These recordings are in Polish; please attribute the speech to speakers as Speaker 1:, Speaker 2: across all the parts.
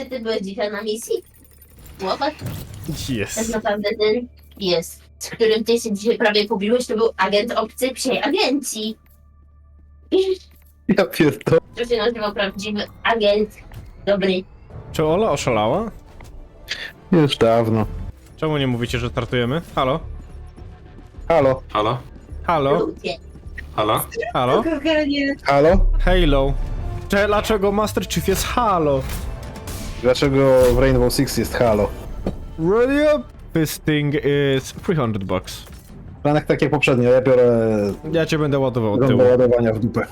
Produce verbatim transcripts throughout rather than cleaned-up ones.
Speaker 1: Czy ty byłeś dzisiaj na misji? Chłopak? Tak
Speaker 2: Jest.
Speaker 1: naprawdę ten pies, z którym ty się dzisiaj prawie pobiłeś, to był agent obcej psiej agencji.
Speaker 3: Ja pierdolę.
Speaker 1: To się nazywał prawdziwy agent. Dobry.
Speaker 2: Czy Ola oszalała?
Speaker 3: Już dawno.
Speaker 2: Czemu nie mówicie, że startujemy? Halo?
Speaker 3: Halo?
Speaker 4: Halo?
Speaker 2: Halo?
Speaker 1: Ludzie.
Speaker 4: Halo?
Speaker 2: Halo?
Speaker 3: Halo?
Speaker 2: Halo? Cze- Dlaczego Master Chief jest Halo?
Speaker 3: Dlaczego w Rainbow Six jest halo?
Speaker 2: Radio? This thing is three hundred bucks.
Speaker 3: Planek tak jak poprzednio, ja biorę
Speaker 2: Ja cię będę ładował od
Speaker 3: do
Speaker 2: tyłu.
Speaker 3: ładowania w dupę.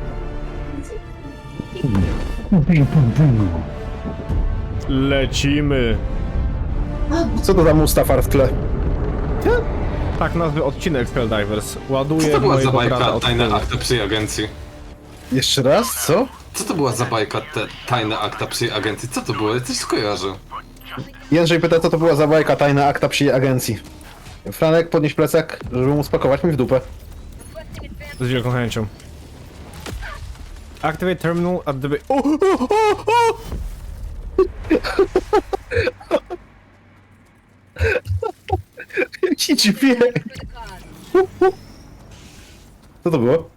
Speaker 2: Lecimy.
Speaker 3: Co to za Mustafar w tle?
Speaker 2: Tak nazwy odcinek Helldivers. Ładuję
Speaker 4: Co to była za
Speaker 2: mojego brata
Speaker 4: bajka
Speaker 2: od
Speaker 4: tajne
Speaker 2: tyłu.
Speaker 4: akta przy agencji?
Speaker 3: Jeszcze raz? Co?
Speaker 4: Co to była za bajka te tajne akta przy agencji? Co to było? Coś skojarzę.
Speaker 3: Jędrzej pyta, co to była za bajka tajna akta przy agencji. Franek, podnieś plecak, żeby mu spakować mi w dupę.
Speaker 2: Z wielką chęcią. Activate terminal at the... O, o, o, o!
Speaker 3: Jaki dźwięk! Co to było?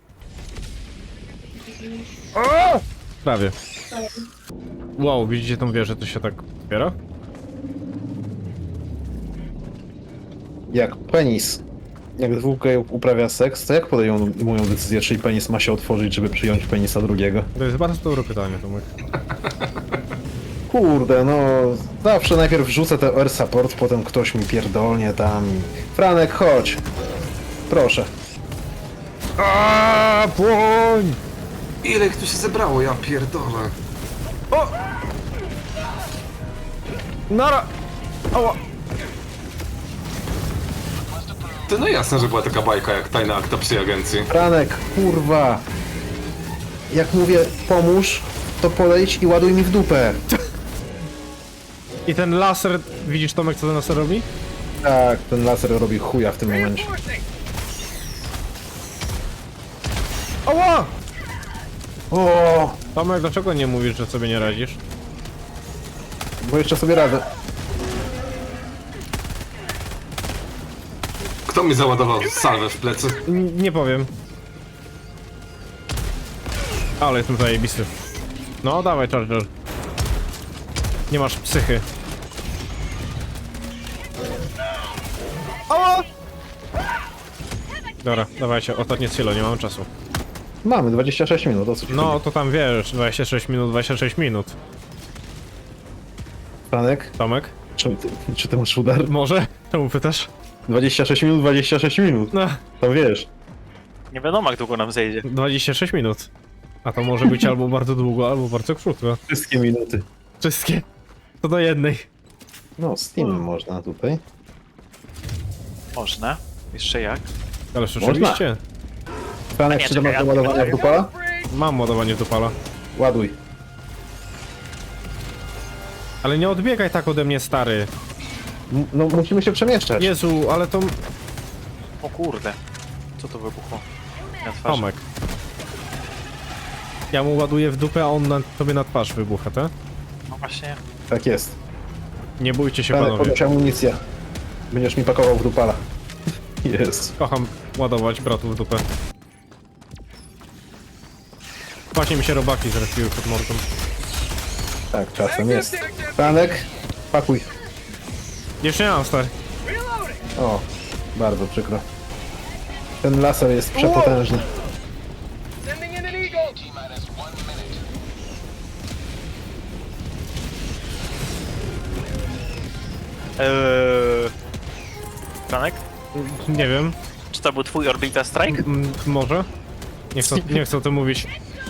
Speaker 2: Prawie. Wow, widzicie tą wieżę, to się tak otwiera?
Speaker 3: Jak penis. Jak dwóch gejów uprawia seks, to jak podejmują decyzję, czy penis ma się otworzyć, żeby przyjąć penisa drugiego?
Speaker 2: To jest bardzo dobre pytanie, Tomek.
Speaker 3: Kurde, no... Zawsze najpierw wrzucę te air support, potem ktoś mi pierdolnie tam... Franek, chodź! Proszę.
Speaker 2: Aaaa, płoń!
Speaker 4: Ile ich tu się zebrało? Ja pierdolę.
Speaker 2: O! Nara! Ała!
Speaker 4: To no jasne, że była taka bajka jak tajna akta przy agencji.
Speaker 3: Franek, kurwa! Jak mówię, pomóż, to podejdź i ładuj mi w dupę.
Speaker 2: I ten laser, widzisz Tomek, co ten laser robi?
Speaker 3: Tak, ten laser robi chuja w tym momencie.
Speaker 2: Ała!
Speaker 3: O,
Speaker 2: Tomek, dlaczego nie mówisz, że sobie nie radzisz?
Speaker 3: bo jeszcze sobie radzę.
Speaker 4: Kto mi załadował salwę w plecy?
Speaker 2: N nie powiem. Ale jestem zajebisty. No, dawaj, Charger. Nie masz psychy. Ała! Dobra, dawajcie, ostatnie silo, nie mam czasu.
Speaker 3: Mamy dwadzieścia sześć minut, o co ci
Speaker 2: No,
Speaker 3: chodzi?
Speaker 2: to tam wiesz, dwadzieścia sześć minut, dwadzieścia sześć minut.
Speaker 3: Franek,
Speaker 2: Tomek?
Speaker 3: czy ty, czy ty masz udar?
Speaker 2: Może? Czemu pytasz?
Speaker 3: dwadzieścia sześć minut, dwadzieścia sześć minut.
Speaker 2: No,
Speaker 3: To wiesz.
Speaker 5: Nie wiadomo, jak długo nam zejdzie.
Speaker 2: dwadzieścia sześć minut. A to może być albo bardzo długo, albo bardzo krótko.
Speaker 3: Wszystkie minuty.
Speaker 2: Wszystkie. To do jednej.
Speaker 3: No, Steam można tutaj.
Speaker 5: Można. Jeszcze jak?
Speaker 2: Ależ oczywiście.
Speaker 3: Franek,
Speaker 5: Nie,
Speaker 3: czy ty masz
Speaker 5: czekaj,
Speaker 3: do
Speaker 5: ja-
Speaker 3: ładowania w dupala?
Speaker 2: Mam ładowanie do pala.
Speaker 3: Ładuj.
Speaker 2: Ale nie odbiegaj tak ode mnie, stary.
Speaker 3: M no, musimy się przemieszczać.
Speaker 2: Jezu, ale to...
Speaker 5: O kurde. Co to wybuchło? Na twarzy.
Speaker 2: Tomek. Ja mu ładuję w dupę, a on na, tobie na twarz wybucha, tak?
Speaker 5: No właśnie.
Speaker 3: Tak jest.
Speaker 2: Nie bójcie się,
Speaker 3: Franek,
Speaker 2: panowie.
Speaker 3: podnoś amunicję. Będziesz mi pakował w dupala. Jest.
Speaker 2: Kocham ładować bratów w dupę. Właśnie mi się robaki zrespiły pod mordą.
Speaker 3: Tak, czasem jest. Franek, pakuj.
Speaker 2: Jeszcze nie mam, stary.
Speaker 3: O, bardzo przykro. Ten laser jest przepotężny.
Speaker 5: Eee... Franek?
Speaker 2: Nie wiem.
Speaker 5: Czy to był twój Orbita Strike?
Speaker 2: M może? Nie chcę, nie chcę o tym mówić.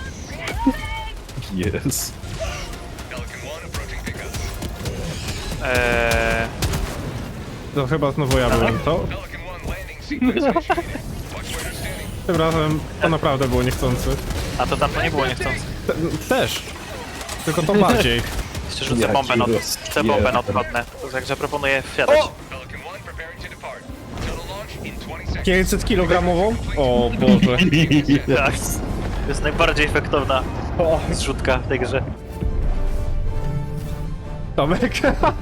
Speaker 3: Jest.
Speaker 5: Eee...
Speaker 2: To chyba znowu ja byłem, to? Tym razem to naprawdę było niechcący.
Speaker 5: A to tam to nie było niechcący.
Speaker 2: Te, też. Tylko to bardziej.
Speaker 5: Jeszcze rzucę
Speaker 3: Ja
Speaker 5: bombę
Speaker 3: ci
Speaker 5: na
Speaker 3: roz-
Speaker 5: Chcę bombę
Speaker 3: nie.
Speaker 5: na odchodne. Także proponuję wsiadać.
Speaker 2: O! pięćset kilogramową? O Boże.
Speaker 5: Tak. To jest najbardziej efektowna zrzutka w tej grze.
Speaker 2: Tomek.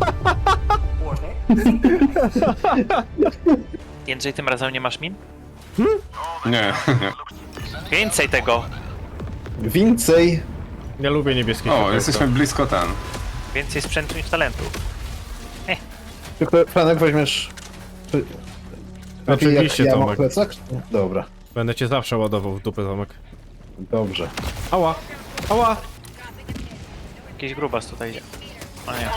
Speaker 5: Jędrzej, tym razem nie masz min?
Speaker 4: Nie, nie.
Speaker 5: Więcej tego!
Speaker 3: Więcej.
Speaker 2: Ja lubię niebieskie
Speaker 4: O,
Speaker 2: światełko.
Speaker 4: jesteśmy blisko ten.
Speaker 5: Więcej sprzętu niż talentów.
Speaker 3: Tylko Franek weźmiesz... Czy- Lepiej jak
Speaker 2: Oczywiście,
Speaker 3: ja mam
Speaker 2: Tomek.
Speaker 3: plecak? Dobra,
Speaker 2: Będę cię zawsze ładował w dupę, Tomek.
Speaker 3: dobrze.
Speaker 2: Ała! Ała!
Speaker 5: Jakiś grubas tutaj idzie. O nie.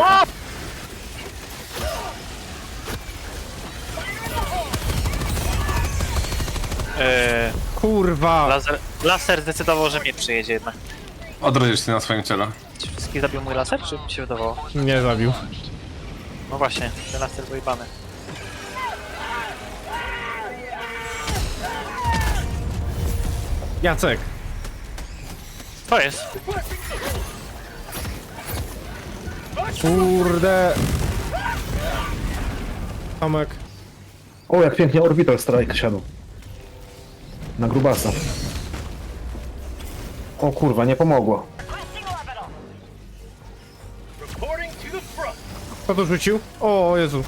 Speaker 5: Eee,
Speaker 2: Kurwa!
Speaker 5: laser, laser zdecydował, że mnie przyjedzie jednak.
Speaker 4: Odrodzisz się na swoim ciele.
Speaker 5: Czy wszystkich zabił mój laser, czy mi się wydawało?
Speaker 2: Nie zabił.
Speaker 5: No właśnie, ten laser był jebany.
Speaker 2: Jacek!
Speaker 5: To jest.
Speaker 2: Kurde! Tomek.
Speaker 3: O, jak pięknie Orbital Strike siadł. Na grubasa. O kurwa, nie pomogło.
Speaker 2: Kto to rzucił? O Jezu.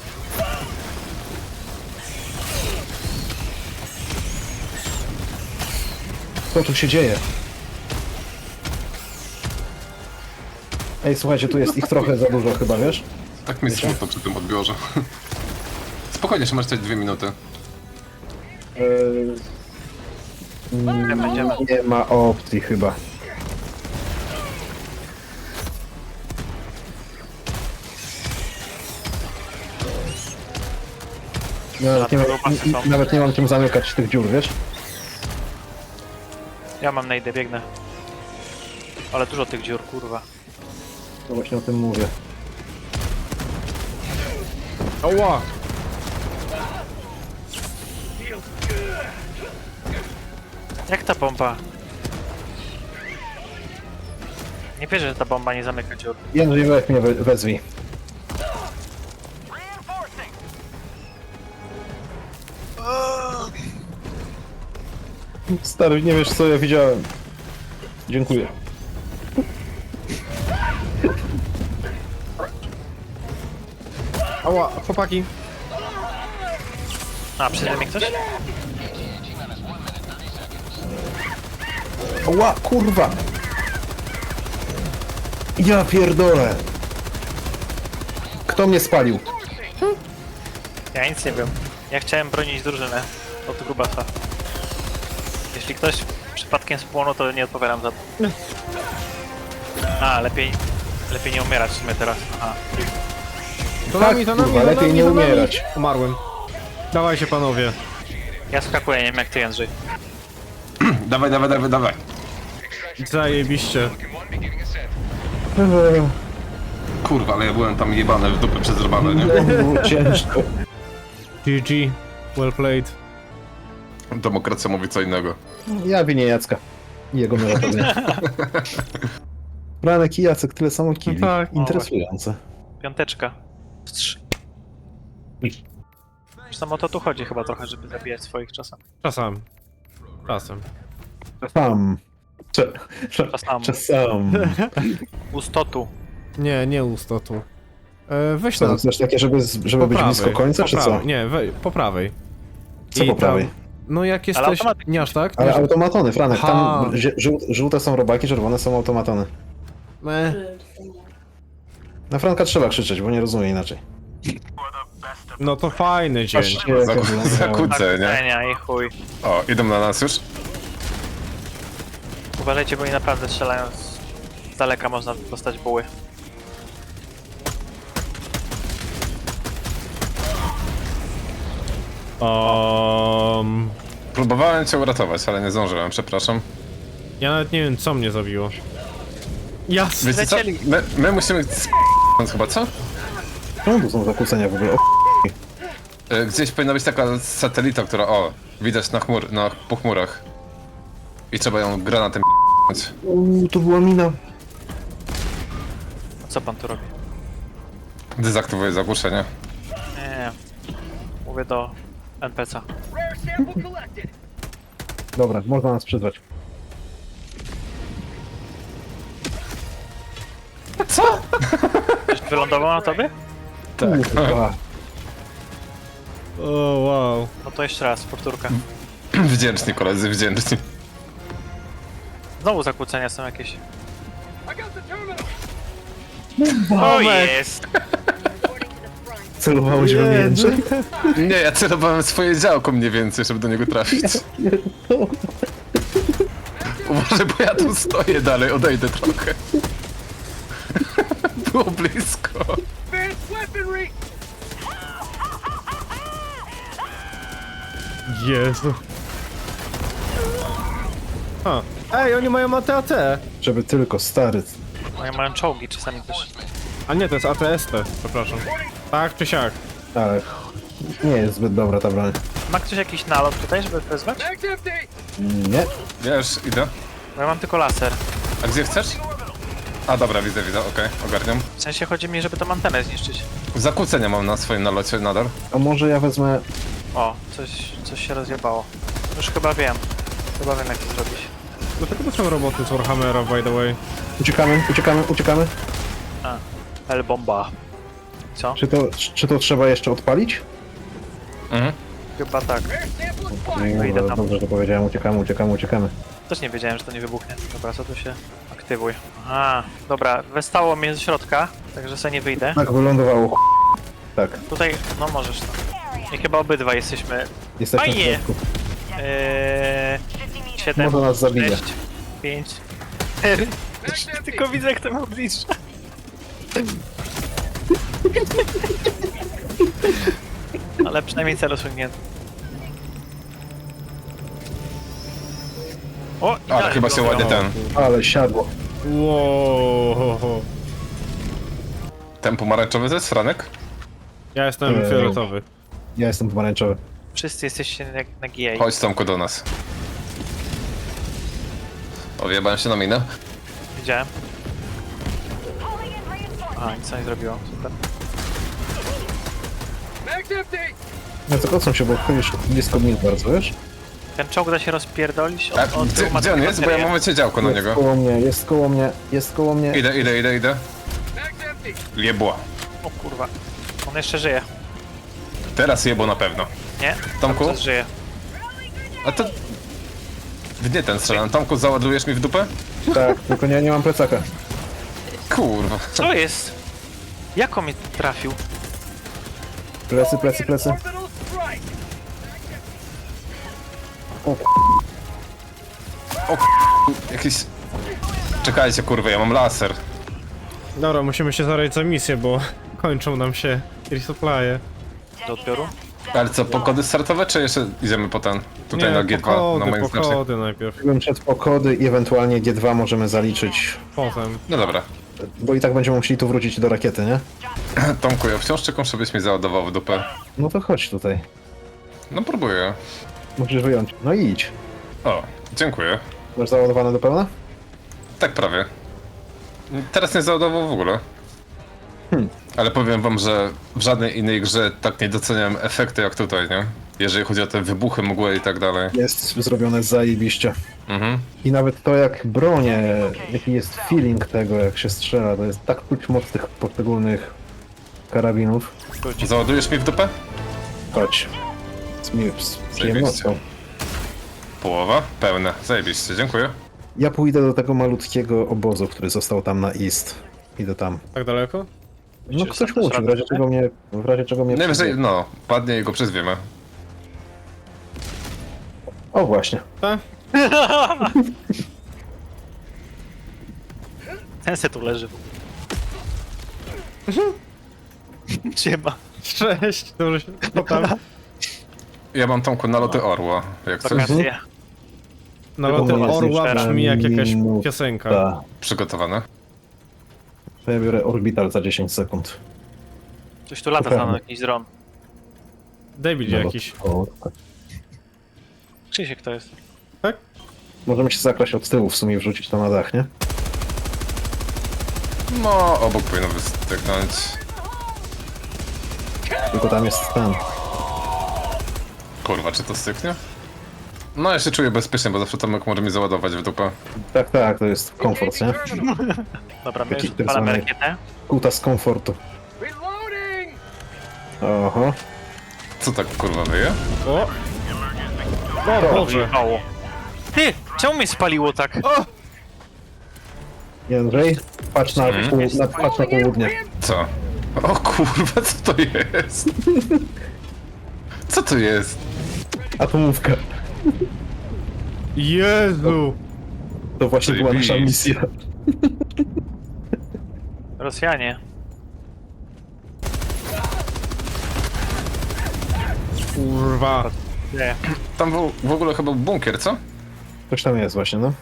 Speaker 3: Co tu się dzieje? Ej, słuchajcie, tu jest ich trochę za dużo chyba, wiesz?
Speaker 4: Tak mi smutno przy tym odbiorze. Spokojnie, jeszcze masz coś dwie minuty.
Speaker 3: Eee, mm,
Speaker 5: Będziemy.
Speaker 3: nie ma opcji chyba. Nawet nie, mam, n- nawet nie mam czym zamykać tych dziur, wiesz?
Speaker 5: Ja mam najdę, biegnę. Ale dużo tych dziur, kurwa.
Speaker 3: To właśnie o tym mówię.
Speaker 2: Ała!
Speaker 5: Jak ta bomba? Nie wierzę, że ta bomba nie zamyka dziur.
Speaker 3: Jędrzej, weź mnie we, wezwij. Stary, nie wiesz co ja widziałem. Dziękuję.
Speaker 2: Ała, chłopaki.
Speaker 5: A, przyjdzie mi ktoś?
Speaker 3: Ła, kurwa! Ja pierdolę! Kto mnie spalił?
Speaker 5: Ja nic nie wiem. Ja chciałem bronić drużynę od grubasa. Jeśli ktoś przypadkiem spłonął, to nie odpowiadam za to. A, lepiej... Lepiej nie umierać w sumie teraz. Aha.
Speaker 2: To
Speaker 3: Tak,
Speaker 2: nami, to nami,
Speaker 3: kurwa,
Speaker 2: to
Speaker 3: lepiej
Speaker 2: nami,
Speaker 3: nie
Speaker 2: to nami.
Speaker 3: umierać.
Speaker 2: Umarłem. Dawajcie panowie.
Speaker 5: Ja skakuję, nie wiem jak ty, Jędrzej.
Speaker 4: Dawaj, dawaj, dawaj, dawaj.
Speaker 2: Zajebiście.
Speaker 3: Eee,
Speaker 4: Kurwa, ale ja byłem tam jebany w dupę przez robale, nie?
Speaker 3: było ciężko.
Speaker 2: G G. Well played.
Speaker 4: Demokracja mówi co innego.
Speaker 3: Ja winię Jacka. I jego melatonina. Franek i Jacek, tyle samo kili.
Speaker 2: No tak, no
Speaker 3: Interesujące.
Speaker 5: Piąteczka. Wstrz. Zresztą o to tu chodzi chyba trochę, żeby zabijać swoich czasem.
Speaker 2: Czasem. Czasem.
Speaker 3: Sam. Cze- cze-
Speaker 5: Czasem.
Speaker 3: Czasam.
Speaker 5: Ustotu.
Speaker 2: Nie, nie ustotu. E, weź
Speaker 3: Co,
Speaker 2: na...
Speaker 3: chcesz takie, żeby, z- żeby
Speaker 2: po
Speaker 3: być
Speaker 2: prawej,
Speaker 3: blisko końca,
Speaker 2: po
Speaker 3: czy co?
Speaker 2: prawej. Nie, we, po prawej.
Speaker 3: Co
Speaker 2: I
Speaker 3: po prawej?
Speaker 2: Tam, no jak
Speaker 5: Ale
Speaker 2: jesteś...
Speaker 5: automatycznie.
Speaker 2: Nie aż tak?
Speaker 3: Ale
Speaker 2: Nie aż...
Speaker 3: automatony, Franek,
Speaker 2: Ha.
Speaker 3: tam zie- żół- żółte są robaki, czerwone są automatony.
Speaker 2: E,
Speaker 3: Na Franka trzeba krzyczeć, bo nie rozumie inaczej.
Speaker 2: no to fajny dzień.
Speaker 3: Patrzcie, jak ja
Speaker 4: Zaku-
Speaker 3: wyglądałem.
Speaker 4: Zakłócę, nie?
Speaker 5: Zakłócenia i chuj.
Speaker 4: O, idą na nas już?
Speaker 5: Uważajcie, bo oni naprawdę strzelają z... z daleka, można dostać buły.
Speaker 2: Um,
Speaker 4: Próbowałem cię uratować, ale nie zdążyłem, przepraszam.
Speaker 2: ja nawet nie wiem co mnie zabiło. Jasne.
Speaker 4: Wiecie co?
Speaker 5: Lecieli.
Speaker 4: My, my musimy... sp- chyba, co?
Speaker 3: Czemu tu są zakłócenia w ogóle? O,
Speaker 4: E, Gdzieś powinna być taka satelita, która... O, widać na chmur, na po chmurach. I trzeba ją granatem p***ć.
Speaker 3: Uuu, to była mina.
Speaker 5: Co pan tu robi?
Speaker 4: Dezaktywuję zagłuszenie.
Speaker 5: Nie, nie. Mówię do N P C a.
Speaker 3: Dobra, można nas przyzwać.
Speaker 5: Wylądował na tobie?
Speaker 4: Tak.
Speaker 3: Kurwa.
Speaker 2: O, wow.
Speaker 5: No to jeszcze raz, powtórka.
Speaker 4: Wdzięczni koledzy, wdzięczni.
Speaker 5: Znowu zakłócenia są jakieś. O, jest!
Speaker 3: Celowałeś we mnie, Jędrzej?
Speaker 4: Nie, ja celowałem swoje działko mniej więcej, żeby do niego trafić. Uważaj, bo ja tu stoję dalej, odejdę trochę. Było blisko.
Speaker 2: Jezu. A. Ej, oni mają A T A T.
Speaker 3: Żeby tylko, stary.
Speaker 5: Moje mają czołgi czasami też.
Speaker 2: A nie, to jest A T S T, przepraszam. Tak czy siak?
Speaker 3: Ale nie jest zbyt dobra ta broń.
Speaker 5: Ma ktoś jakiś nalot tutaj, żeby wezwać?
Speaker 3: Nie?
Speaker 4: Ja już idę.
Speaker 5: Bo ja mam tylko laser.
Speaker 4: A gdzie chcesz? A dobra, widzę, widzę, okej, ogarniam.
Speaker 5: W sensie chodzi mi, żeby tą antenę zniszczyć.
Speaker 4: Zakłócenia mam na swoim nalocie nadal.
Speaker 3: A może ja wezmę...
Speaker 5: O, coś, coś się rozjebało. Już chyba wiem. Chyba wiem jak to zrobić.
Speaker 2: Dlaczego to są roboty z Warhammera, by the way?
Speaker 3: Uciekamy, uciekamy, uciekamy.
Speaker 5: A, L-bomba. Co?
Speaker 3: Czy to, czy to trzeba jeszcze odpalić?
Speaker 4: Mhm.
Speaker 5: Chyba tak.
Speaker 3: No,
Speaker 5: idę tam.
Speaker 3: dobrze, że powiedziałem, uciekamy, uciekamy, uciekamy.
Speaker 5: Też nie wiedziałem, że to nie wybuchnie. Dobra, co tu się aktywuj. A, dobra, westało mnie ze środka, także sobie nie wyjdę.
Speaker 3: Tak wylądowało. Tak,
Speaker 5: Tutaj, no możesz. I chyba obydwa jesteśmy.
Speaker 3: jesteśmy w
Speaker 5: Fajnie.
Speaker 3: środku.
Speaker 5: Eee, siedem,
Speaker 3: Może nas zabije.
Speaker 5: sześć, pięć, cztery. Tylko widzę, jak to ma bliżej. Ale przynajmniej cel osiągnięty. O,
Speaker 4: Ale
Speaker 5: idealnie
Speaker 4: chyba się
Speaker 5: wylądował.
Speaker 4: ładnie ten...
Speaker 3: Ale siadło.
Speaker 2: Wow.
Speaker 4: Ten pomarańczowy to jest Franek?
Speaker 2: Ja jestem
Speaker 3: Eee.
Speaker 2: fioletowy.
Speaker 3: Ja jestem pomarańczowy.
Speaker 5: Wszyscy jesteście na, na G A.
Speaker 4: Chodź Tomku do nas. O, wjebałem się na minę.
Speaker 5: Widziałem. Aha, nic nie zrobiło. Super.
Speaker 3: No to kocą się, bo chodzisz blisko mnie bardzo, wiesz?
Speaker 5: Ten czołg da się rozpierdolić?
Speaker 4: A,
Speaker 5: Od, od
Speaker 4: gdzie,
Speaker 5: tyłu ma
Speaker 4: gdzie on
Speaker 5: taką
Speaker 4: jest? Bo ja
Speaker 5: baterię.
Speaker 4: mam działko na
Speaker 3: Jest
Speaker 4: niego.
Speaker 3: koło mnie, jest koło mnie, jest koło mnie.
Speaker 4: Idę, idę, idę, idę. Jebła.
Speaker 5: O kurwa. On jeszcze żyje.
Speaker 4: Teraz jebło na pewno.
Speaker 5: Nie?
Speaker 4: Tomku?
Speaker 5: Cały czas żyje.
Speaker 4: A to... W nie ten strzelam. Tomku, załadujesz mi w dupę?
Speaker 3: Tak, tylko nie, nie mam plecaka.
Speaker 4: Kurwa.
Speaker 5: Co jest? Jak on mnie trafił?
Speaker 3: Plecy, plecy, plecy. O,
Speaker 4: Jakiś... Czekajcie, kurwa, ja mam laser.
Speaker 2: Dobra, musimy się zabrać za misję, bo kończą nam się resupply'e.
Speaker 5: Do odbioru?
Speaker 4: Ale co, pokody startowe, czy jeszcze idziemy po ten? Tutaj
Speaker 2: Nie,
Speaker 4: na G dwa,
Speaker 2: pokody,
Speaker 4: na moim znaczniku.
Speaker 2: pokody najpierw.
Speaker 3: bym przed pokody i ewentualnie G dwa możemy zaliczyć.
Speaker 2: Potem.
Speaker 4: No dobra.
Speaker 3: Bo i tak będziemy musieli tu wrócić do rakiety, nie?
Speaker 4: Tomku, ja wciąż czekam, żebyś mi załadował w dupę.
Speaker 3: No to chodź tutaj.
Speaker 4: No próbuję.
Speaker 3: Musisz wyjąć. No i idź.
Speaker 4: O, dziękuję.
Speaker 3: Masz załadowane do pełna?
Speaker 4: Tak prawie. Teraz nie załadował w ogóle.
Speaker 3: Hmm.
Speaker 4: Ale powiem wam, że w żadnej innej grze tak nie doceniam efekty jak tutaj, nie? Jeżeli chodzi o te wybuchy, mgły i tak dalej.
Speaker 3: Jest zrobione zajebiście.
Speaker 4: Mhm.
Speaker 3: I nawet to jak bronię, jaki jest feeling tego jak się strzela, to jest tak czuć moc tych poszczególnych karabinów.
Speaker 4: Załadujesz mi w dupę?
Speaker 3: Chodź. Z, mi, z przyjemnością.
Speaker 4: Połowa? Pełne. Zajebiście, dziękuję.
Speaker 3: Ja pójdę do tego malutkiego obozu, który został tam na east. Idę tam.
Speaker 2: Tak daleko?
Speaker 3: No
Speaker 5: Czy
Speaker 3: ktoś
Speaker 5: sam
Speaker 3: musi, w razie
Speaker 5: radę?
Speaker 3: czego mnie, w razie czego mnie
Speaker 4: Najwyżej,
Speaker 3: przyjdzie.
Speaker 4: no, padnie i go przyzwiemy.
Speaker 3: O właśnie.
Speaker 2: Tak?
Speaker 5: Ten se tu leży. Siema.
Speaker 2: Cześć, dobrze się... Co tam?
Speaker 4: Ja mam Tomku naloty orła, jak coś.
Speaker 5: Wakacje.
Speaker 2: Naloty
Speaker 3: Tylko
Speaker 2: orła
Speaker 3: jest
Speaker 2: brzmi jak jakaś
Speaker 3: minuta.
Speaker 2: piosenka.
Speaker 3: Ta.
Speaker 4: Przygotowane.
Speaker 3: To ja biorę orbital za dziesięć sekund.
Speaker 5: Coś tu lata
Speaker 3: Super.
Speaker 5: tam jakiś dron.
Speaker 2: Debil
Speaker 3: No,
Speaker 2: jakiś.
Speaker 3: o, tak.
Speaker 5: Krzysiek to jest.
Speaker 2: Tak?
Speaker 3: Możemy się zakraść od tyłu w sumie i wrzucić to na dach, nie?
Speaker 4: No, obok powinno wystygnąć.
Speaker 3: Tylko tam jest ten.
Speaker 4: Kurwa, czy to styknie? No ja się czuję bezpiecznie, bo zawsze Tomek może mi załadować w dupę.
Speaker 3: Tak, tak, to jest komfort, nie?
Speaker 5: Dobra, my
Speaker 3: Taki
Speaker 5: już
Speaker 3: ten
Speaker 5: odpalamy
Speaker 3: samej-
Speaker 5: rakietę.
Speaker 3: Kutas komfortu. Oho.
Speaker 4: Co tak kurwa wyje?
Speaker 2: O! O Boże!
Speaker 5: Wyjebało. Ty! Czemu mnie spaliło tak?
Speaker 3: Jędrzej, patrz na,
Speaker 4: Mhm.
Speaker 3: pół, na, patrz na południe.
Speaker 4: Co? O kurwa, co to jest? Co to jest?
Speaker 3: Atomówka.
Speaker 2: Jezu!
Speaker 3: To właśnie była nasza
Speaker 4: Zajebiście.
Speaker 3: misja.
Speaker 5: Rosjanie.
Speaker 2: Kurwa!
Speaker 5: Nie.
Speaker 4: Tam w, w ogóle chyba bunkier, co?
Speaker 3: Coś tam jest właśnie, no.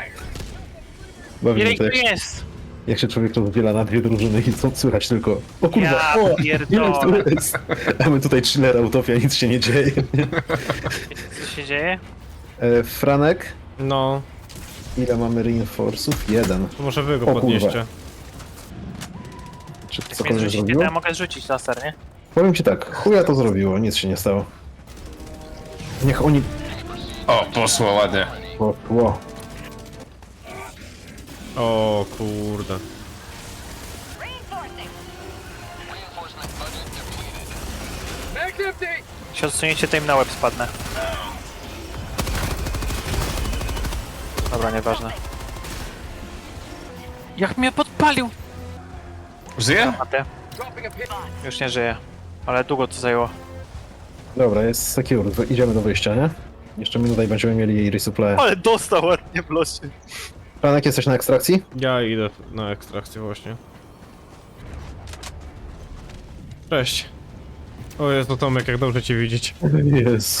Speaker 3: Bawi
Speaker 5: Ile
Speaker 3: mnie
Speaker 5: ich
Speaker 3: to,
Speaker 5: tu
Speaker 3: jak,
Speaker 5: jest?
Speaker 3: jak się człowiek rozdziela na dwie drużyny i co słychać tylko. O kurwa,
Speaker 5: Ja
Speaker 3: o,
Speaker 5: pierdolę.
Speaker 3: ile tu jest? A my tutaj chiller utopia, nic się nie dzieje.
Speaker 5: Co się dzieje?
Speaker 3: E, Franek,
Speaker 2: No,
Speaker 3: ile mamy reinforców? Jeden.
Speaker 2: to może wy go
Speaker 3: O kurwa.
Speaker 2: podnieście.
Speaker 3: Czy
Speaker 5: Jak mnie
Speaker 3: cokolwiek
Speaker 5: zrzucicie, to
Speaker 3: zrobiło?
Speaker 5: ja mogę zrzucić laser, nie?
Speaker 3: Powiem ci tak, chuja to zrobiło, nic się nie stało. Niech oni...
Speaker 4: O, poszło ładnie.
Speaker 3: O, ło.
Speaker 2: O kurde.
Speaker 5: Jak się odsuniecie, to im na łeb spadnę. Dobra, nieważne. Jak mnie podpalił!
Speaker 4: Żyje?
Speaker 5: Matę. Już nie żyje. Ale długo to zajęło.
Speaker 3: Dobra, jest secure, wy- idziemy do wyjścia, nie? Jeszcze minuta i będziemy mieli resupply.
Speaker 5: Ale dostał ładnie w losie.
Speaker 3: Franek, jesteś na ekstrakcji?
Speaker 2: Ja idę na ekstrakcję właśnie. Cześć. O jest to Tomek, jak dobrze cię widzieć.
Speaker 3: Jezu.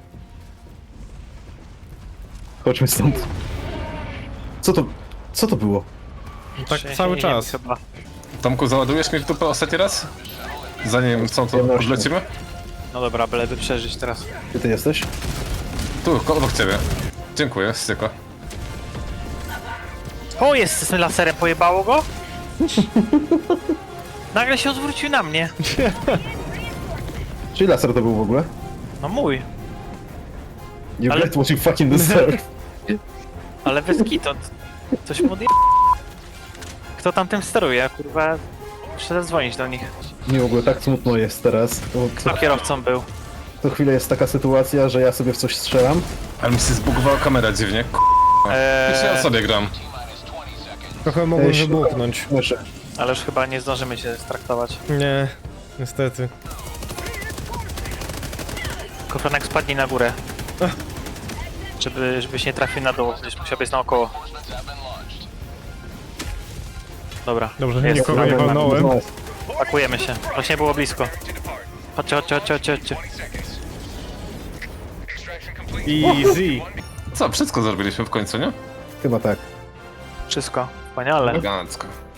Speaker 3: Chodźmy stąd. Co to... Co to było?
Speaker 2: Tak
Speaker 5: Się-
Speaker 2: cały
Speaker 5: nie
Speaker 2: czas.
Speaker 5: wiem, chyba.
Speaker 4: Tomku, załadujesz mnie w dupę ostatni raz? Zanim co, to
Speaker 3: Przyjemnością.
Speaker 4: odlecimy?
Speaker 5: No dobra, byleby przeżyć teraz.
Speaker 3: Gdzie ty jesteś?
Speaker 4: Tu, ko- obok ciebie. Dziękuję, styko.
Speaker 5: O, jest z tym laserem, pojebało go? Nagle się odwrócił na mnie.
Speaker 3: Czyli laser to był w ogóle?
Speaker 5: No mój.
Speaker 3: You
Speaker 5: Ale-
Speaker 3: get what you fucking deserve.
Speaker 5: Ale bez kitu. Coś mu odje... Kto tam tym steruje? Kurwa, muszę zadzwonić do nich.
Speaker 3: Mi w ogóle tak smutno jest teraz. Bo co,
Speaker 5: Kto kierowcą był?
Speaker 3: co chwilę jest taka sytuacja, że ja sobie w coś strzelam.
Speaker 4: Ale mi się zbugowała kamera dziwnie. K***. Jeszcze ja
Speaker 5: Eee,
Speaker 4: sobie gram.
Speaker 2: Trochę mogłem
Speaker 3: Ej,
Speaker 2: wybuchnąć.
Speaker 3: Słyszę.
Speaker 5: ale już chyba nie zdążymy się straktować.
Speaker 2: Nie, niestety.
Speaker 5: Kofranek spadnij na górę. Żeby, żebyś nie trafił na dół, będziesz musiał być naokoło. Dobra,
Speaker 2: Dobrze, że
Speaker 5: jest.
Speaker 2: nikogo nie walnąłem.
Speaker 5: Pakujemy się. Właśnie było blisko. Chodźcie, chodźcie, chodźcie, chodźcie, chodźcie.
Speaker 2: Easy.
Speaker 4: Co, wszystko zrobiliśmy w końcu, nie?
Speaker 3: Chyba tak.
Speaker 5: Wszystko. Wspaniale.
Speaker 4: Elegancko.